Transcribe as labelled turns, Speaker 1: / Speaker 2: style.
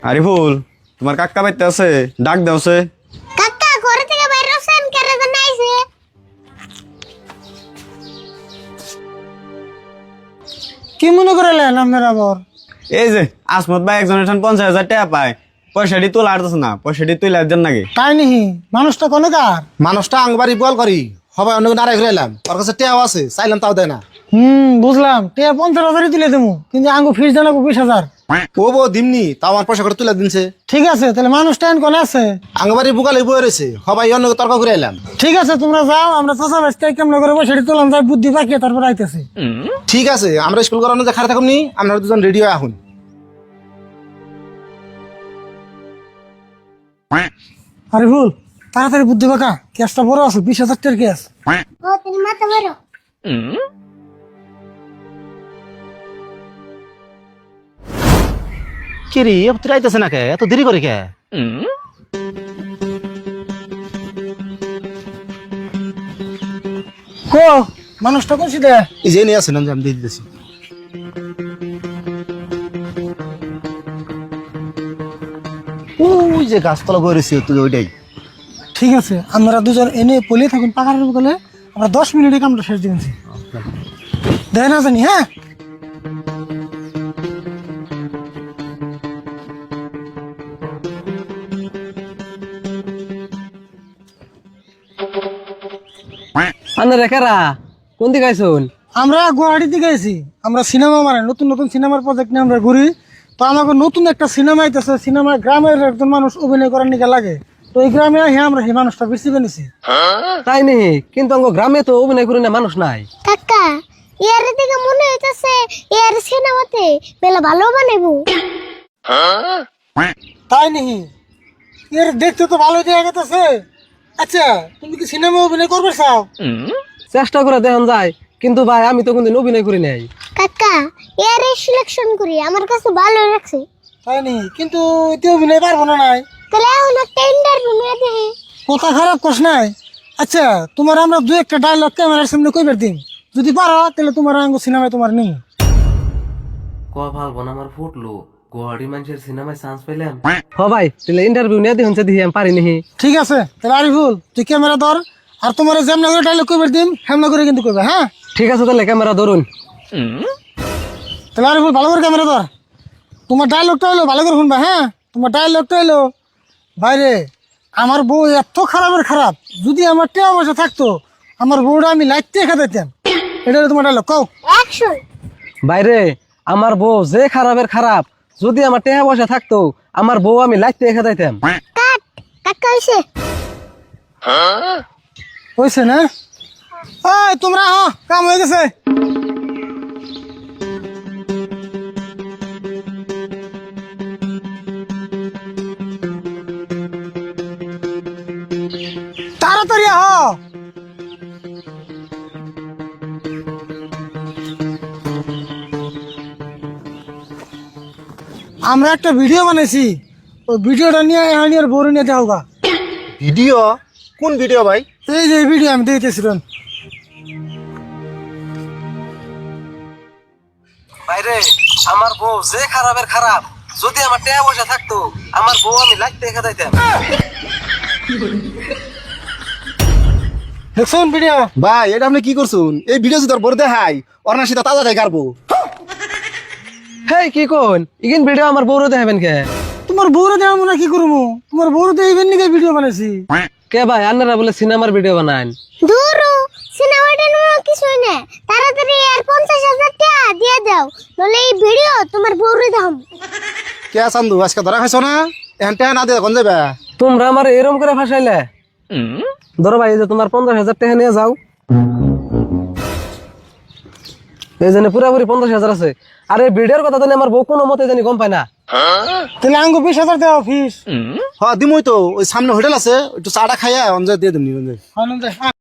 Speaker 1: আরিফুল তোমার কাকা বাইতে আছে, ডাক দেওছে।
Speaker 2: কাকা ঘরে থেকে বাইরে আসেন, কেরে জানা আইছে।
Speaker 3: কি মনে করলেন আপনার আবার?
Speaker 1: এই যে আসমত ভাই একজনের 50,000 টাকা পায়, পয়সাটি তোলা আরতেছে না, পয়সাটি তুলে দেন নাকি?
Speaker 3: তাই নিহি মানুষটা কোন কার?
Speaker 4: মানুষটা আংবাড়ি বল করি সবাই অন্য নারাই ঘুরে এলাম, ওর কাছে টেয়াও আছে, চাইলাম তাও দেয় না।
Speaker 3: বুঝলাম, 50,000 তুলে দেবো, কিন্তু আঙ্গু ফিস জানাবো 20,000।
Speaker 4: ও বউ দিমনি, তাও আমার পয়সা করে তুলে দিনছে।
Speaker 3: ঠিক আছে, তাহলে মানুষটা কোন আছে?
Speaker 4: আংবাড়ি বুকালে বয়ে রয়েছে, সবাই অন্য তর্ক করে এলাম।
Speaker 3: ঠিক আছে, তোমরা যাও, আমরা চাষা বাঁচতে কেমন করে সেটি তোলাম যাই, বুদ্ধি পাকিয়ে তারপর আইতেছি।
Speaker 4: ঠিক আছে, আমরা স্কুল করানো যে খারাপ থাকুন নি, আপনারা দুজন রেডি হয়ে আহুন।
Speaker 3: আরে ভুল, তাড়াতাড়ি বুদ্ধি পাকা, কেসটা বড় আছে, 20,000 টাকার কেস।
Speaker 2: ও তুমি মাথা মারো।
Speaker 4: কি রে তুই আইতেছে না কে, এত দেরি করে কে?
Speaker 3: কো মানুষটা কোন সিধে?
Speaker 4: এই যে নিয়ে আসেন, আমি দিয়ে দিতেছি। ওই যে গাছতলা বয়ে রয়েছে তুই, ওইটাই।
Speaker 3: ঠিক আছে, আমরা দুজন এনে পলিয়ে থাকুন পাকার বলে, আমরা 10 মিনিটে কামটা শেষ দিয়েছি। দেয় না জানি। হ্যাঁ,
Speaker 5: আন্দারে কারা কোন দিকে আইছুন?
Speaker 3: আমরা গুয়াহাটিতে গেছি, আমরা সিনেমা মানে নতুন নতুন সিনেমার প্রজেক্ট নিয়ে আমরা ঘুরি। তো আমাকে নতুন একটা সিনেমা আইতেছে, সিনেমায় গ্রামের একজন মানুষ অভিনয় করার নিকে লাগে। তো এই গ্রামে হ্যাঁ আমরা সেই মানুষটা বেশি বেনেছি।
Speaker 5: তাই নেই, কিন্তু অঙ্গ গ্রামে তো অভিনয় করি না মানুষ নাই।
Speaker 2: কাকা ইয়ার দিকে মনে হইতাছে ইয়ার সিনেমাতে বেলা ভালো বানাইবো।
Speaker 3: তাই নেই, এর দেখতে তো ভালো দেখা গেছে। আচ্ছা, তুমি কি সিনেমা অভিনয় করবে চাও?
Speaker 5: চেষ্টা করে দেখান যায়, কিন্তু ভাই আমি তো কোনদিন অভিনয় করি নাই।
Speaker 2: কাকা ইয়ার সিলেকশন করি, আমার কাছে ভালো লাগছে।
Speaker 3: তাই নেই, কিন্তু এতে অভিনয় পারবো না নাই।
Speaker 2: তাহলে এখন একটা ইন্টারভিউ নিয়ে দেখি।
Speaker 3: কথা খারাপ কস নাই। আচ্ছা, তোমার আমরা দু একটা ডায়লগ ক্যামেরার সামনে কইবার দিন, যদি পারো তাহলে তোমার আঙ্গ সিনেমায় তোমার নেই।
Speaker 6: ভালবো না আমার ফুটলো গুয়াহাটি মানুষের সিনেমায় চান্স পেলাম।
Speaker 5: হ ভাই, তাহলে ইন্টারভিউ নিয়ে দেখুন দেখি আমি পারি নাহি।
Speaker 3: ঠিক আছে, তাহলে আরিফুল তুই ক্যামেরা ধর, আর তোমার যেমন করে ডায়লগ কইবার দিন হেমনা করে কিন্তু কইবে। হ্যাঁ
Speaker 5: ঠিক আছে, তাহলে ক্যামেরা ধরুন।
Speaker 3: তাহলে আরিফুল ভালো করে ক্যামেরা ধর, তোমার ডায়লগটা হলো ভালো করে শুনবা। হ্যাঁ, তোমার ডায়লগটা হলো, বাইরে আমার বউ এত খারাপের খারাপ, যদি আমার টেয়া পয়সা থাকতো আমার বউটা আমি লাইটতে খেতাম। এটা হলো তোমার ডায়লগ, কও।
Speaker 2: অ্যাকশন।
Speaker 5: বাইরে আমার বউ যে খারাপের খারাপ, যদি আমার টেহা পয়সা থাকতো আমার বউ আমি লাইতে রেখে দিতাম।
Speaker 2: কাট। কাকা হইছে।
Speaker 3: হয়েছে না? ওই তোমরা কাম হয়ে গেছে। তাড়াতাড়ি আমরা একটা ভিডিও বানাইছি, ওই ভিডিওটা নিয়ে আর বড় নিয়ে যাও গা।
Speaker 4: ভিডিও? কোন ভিডিও ভাই?
Speaker 3: এই যে ভিডিও আমি দেখতেছিলাম।
Speaker 5: বাইরে আমার বউ যে খারাপের খারাপ, যদি আমার টেহা পয়সা থাকতো আমার বউ আমি লাইতে রেখে দিতাম।
Speaker 3: দেখুন ভিডিও।
Speaker 4: ভাই এটা আপনি কি করছুন? এই ভিডিও যদি তোর বড় দেখাই, ওর না সেটা তাজা দেয় গারবো।
Speaker 5: হেই কি কোন ইগিন ভিডিও আমার বউরে দেখাবেন কে?
Speaker 3: তোমার বউরে দেওয়া মনে কি করবো? তোমার বউরে তো ইভেন নিকে ভিডিও বানাইছি।
Speaker 5: কে ভাই আপনারা বলে সিনেমার ভিডিও বানান?
Speaker 2: দূরু সিনেমাটা নিয়ে কিছুই না, তাড়াতাড়ি আর 50,000 টাকা দিয়ে দাও, নলে এই ভিডিও তোমার বউরে দাম।
Speaker 4: কে চান্দু আজকে ধরা খাইছো না? এখন টেয়া না দিয়ে কোন যাবে?
Speaker 5: তোমরা আমার এরম করে ফাঁসাইলে। ধরো ভাই, এই যে তোমার 50,000 টাকা নিয়ে যাও। এই জন্য পুরাপুরি 50,000 আছে। আর এই ভিডিওর কথা জানি আমার বউ কোনো মতে জানি গম পায় না।
Speaker 3: তাহলে আঙ্গু 20,000 দেওয়া ফিস।
Speaker 4: হ্যাঁ দিমই তো, ওই সামনে হোটেল আছে, একটু চাটা খাইয়া অঞ্জয় দিয়ে দিমনি।
Speaker 3: আনন্দ